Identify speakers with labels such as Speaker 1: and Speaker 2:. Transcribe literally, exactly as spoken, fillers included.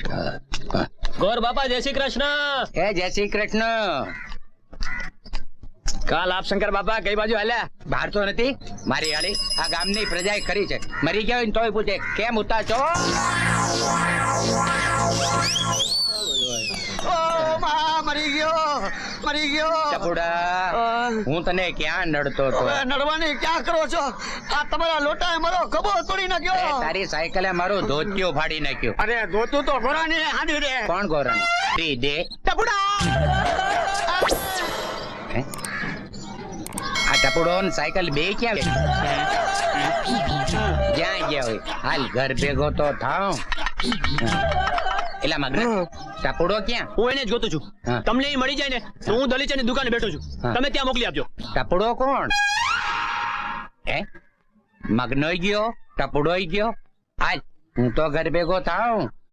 Speaker 1: ગોર બાપા જય શ્રી કૃષ્ણ.
Speaker 2: એ જય શ્રી કૃષ્ણ.
Speaker 1: કાલ આપ શંકર બાપા કઈ બાજુ હાલ્યા?
Speaker 2: બહાર તો નથી. મારી હાલી આ ગામની પ્રજાએ કરી છે. મરી ગયા હોય ને તોય પૂછે કેમ ઉતા છો.
Speaker 3: મરી ગયો મરી ગયો
Speaker 2: ટપુડા, હું તને ક્યાં નડતો હતો?
Speaker 3: નડવાની ક્યાં કરો છો? આ તમારા લોટાએ મારો ખભો તોડી
Speaker 2: એ
Speaker 3: નાખ્યો.
Speaker 2: તારી સાયકલે મારું ધોતિયું ફાડી નાખ્યું.
Speaker 3: અરે ધોતું તો ઘોડાની હાંડી રે.
Speaker 2: કોણ ગોરણ? દી દે.
Speaker 3: ટપુડા
Speaker 2: હે? આ ટપુડો ને સાયકલ બે ક્યાં જ્યાં ગયા હોય હાલ ઘર ભેગો તો થાવ. એલા મગના ટપુડો ક્યાં?
Speaker 1: હું એને જ ગોતું છું.
Speaker 2: હા.
Speaker 1: તમને ઈ મળી જાય ને તો હું દલીચાની દુકાને બેઠો છું.
Speaker 2: હા.
Speaker 1: તમે ત્યાં મોકલી આપજો.
Speaker 2: ટપુડો કોણ? હે? મગનોય ગયો, ટપુડોય ગયો. હાલ હું તો ઘર ભેગો થાવ.